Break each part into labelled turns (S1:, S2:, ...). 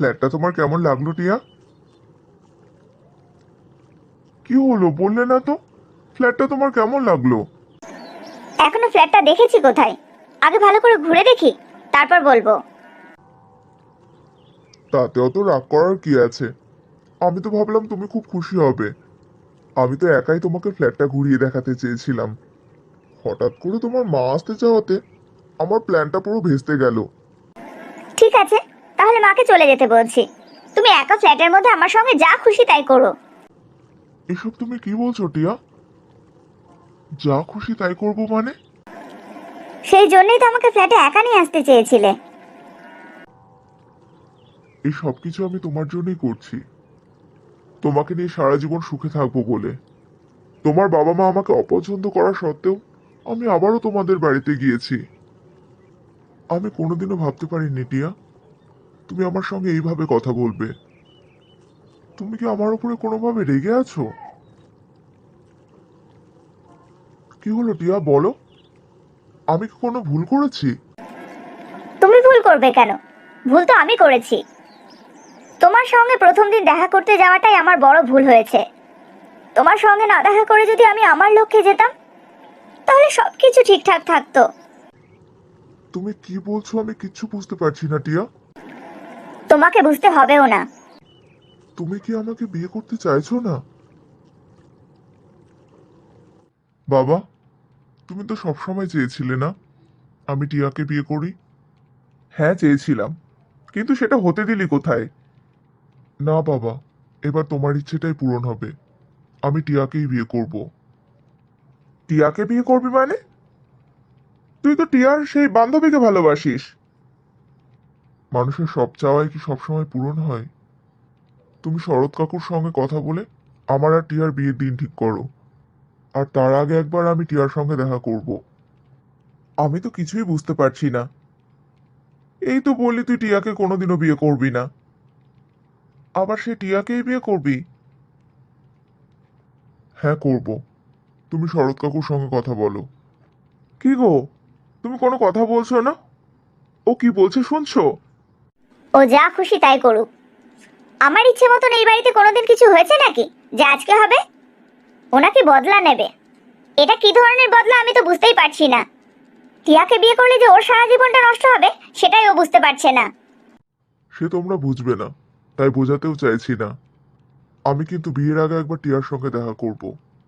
S1: ফ্ল্যাটটা তোমার কেমন লাগলো টিয়া? কি হলো বললে না তো? ফ্ল্যাটটা তোমার কেমন লাগলো?
S2: এখনো ফ্ল্যাটটা দেখেছি কোথায়? আগে ভালো করে ঘুরে দেখি, তারপর বলবো।
S1: তাতে অত রাগ করার কি আছে? আমি তো ভাবলাম তুমি খুব খুশি হবে। আমি তো একাই তোমাকে ফ্ল্যাটটা ঘুরিয়ে দেখাতে চেয়েছিলাম। হঠাৎ করে তোমার মা আসতে চাওয়াতে আমার প্ল্যানটা পুরো ভেস্তে গেল।
S2: ঠিক আছে, তাহলে মাকে চলে যেতে বলছি। তুমি একা ফ্ল্যাটের মধ্যে আমার সঙ্গে যা খুশি তাই করো।
S1: এসব তুমি কি বলছো টিয়া? যা খুশি তাই করবো মানে?
S2: সেই জন্যই তো আমাকে ফ্ল্যাটে একা নিয়ে আসতে চেয়েছিলে।
S1: এই সব কিছু আমি তোমার জন্যই করছি, তোমাকে নিয়ে সারা জীবন সুখে থাকবো বলে। তোমার বাবা মা আমাকে অপছন্দ করা সত্ত্বেও আমি আবারও তোমাদের বাড়িতে গিয়েছি। আমি কোনোদিনও ভাবতে পারিনি টিয়া তুমি আমার সঙ্গে এইভাবে কথা বলবে। তুমি কি আমার উপরে কোনোভাবে রেগে আছো? কি হলো টিয়া বলো, আমি কি কোনো ভুল করেছি?
S2: তুমি ভুল করবে কেন? ভুল তো আমি করেছি। তোমার সঙ্গে প্রথম দিন দেখা করতে যাওয়াটাই আমার বড় ভুল হয়েছে। তোমার সঙ্গে না দেখা করে যদি আমি আমার লক্ষ্যে যেতাম, তাহলে সবকিছু ঠিকঠাক থাকতো।
S1: তুমি কি বলছো আমি কিচ্ছু বুঝতে পারছি না টিয়া।
S2: তোমাকে বুঝতে হবেও না।
S1: তুমি কি আমাকে বিয়ে করতে চাইছো না? বাবা, তুমি তো সবসময় চেয়েছিলে না আমি টিয়াকে বিয়ে করি? হ্যাঁ চেয়েছিলাম, কিন্তু সেটা হতে দিলি কোথায়? না বাবা, এবার তোমার ইচ্ছেটাই পূরণ হবে। আমি টিয়াকেই বিয়ে করব। টিয়াকে বিয়ে করবি মানে? তুই তো টিয়ার সেই বান্ধবীকে ভালোবাসিস। মানুষের সব চাওয়াই কি সবসময় পূরণ হয়? তুমি শরৎ কাকুর সঙ্গে কথা বলে আমার আর টিয়ার বিয়ের দিন ঠিক করো, আর তার আগে একবার আমি টিয়ার সঙ্গে দেখা করব। আমি তো কিছুই বুঝতে পারছি না। এই তো বললি তুই টিয়াকে কোনোদিনও বিয়ে করবি না, আবার সে টিয়াকেই বিয়ে করবি? হ্যাঁ করব। তুমি শরৎ কাকুর সঙ্গে কথা বলো। কি গো, তুমি কোনো কথা বলছো না? ও কি বলছে শুনছো?
S2: ও যা খুশি তাই করুক। আমার ইচ্ছে মতন এই বাড়িতে কোনোদিন কিছু হয়েছে নাকি যে আজকে হবে? ওনাকে বদলা নেবে। এটা কি ধরনের বদলা আমি তো বুঝতেই পারছি না। টিয়াকে বিয়ে করলে যে ওর সারা জীবনটা নষ্ট হবে, সেটাই ও বুঝতে পারছে না।
S1: সে তোমরা বুঝবে না, তাই বোঝাতেও চাইছি না। আমি কিন্তু বিয়ের আগে একবার টিয়ার সঙ্গে দেখা করব।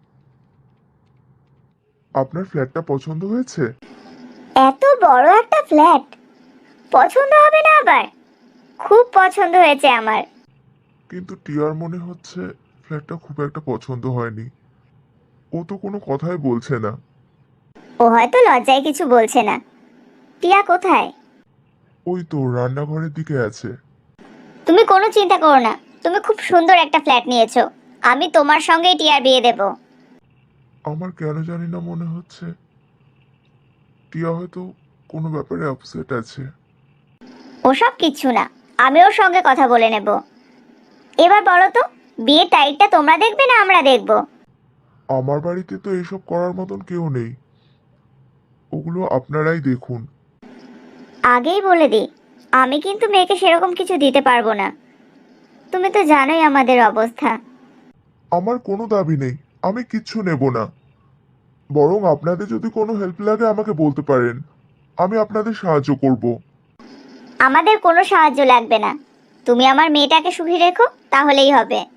S1: আপনার ফ্ল্যাটটা পছন্দ হয়েছে?
S2: এত বড় একটা ফ্ল্যাট পছন্দ হবে না আবার? খুব পছন্দ হয়েছে আমার।
S1: কিন্তু টিয়ার মনে হচ্ছে ফ্ল্যাটটা খুব একটা পছন্দ হয়নি। ও তো কোনো কথাই বলছে না।
S2: ও হয়তো লজ্জায় কিছু বলছে না। টিয়া কোথায়?
S1: ওই তো রান্নাঘরের দিকে আছে।
S2: তুমি কোনো চিন্তা করো না। তুমি খুব সুন্দর একটা ফ্ল্যাট নিয়েছো। আমি তোমার সঙ্গেই টিয়ার বিয়ে দেব।
S1: আমার কেন জানি না মনে হচ্ছে টিয়া হয়তো কোনো ব্যাপারে আপসেট আছে।
S2: ওসব কিচ্ছু না, আমি ওর সঙ্গে কথা বলে নেব। এবার বলো তো, বিয়ের তারিখটা তোমরা দেখবে না আমরা দেখব?
S1: আমার বাড়িতে তো এসব করার মতন কেউ নেই, ওগুলো আপনারাই দেখুন।
S2: আগেই বলে দিই, আমি কিন্তু মেয়েকে সেরকম কিছু দিতে পারবো না। তুমি তো জানোই আমাদের অবস্থা।
S1: আমার কোনো দাবি নেই, আমি কিচ্ছু নেব না। বরং আপনাদের যদি কোনো হেল্প লাগে আমাকে বলতে পারেন, আমি আপনাদের সাহায্য করব।
S2: আমাদের কোনো সাহায্য লাগবে না। তুমি আমার মেয়েটাকে সুখী রেখো, তাহলেই হবে।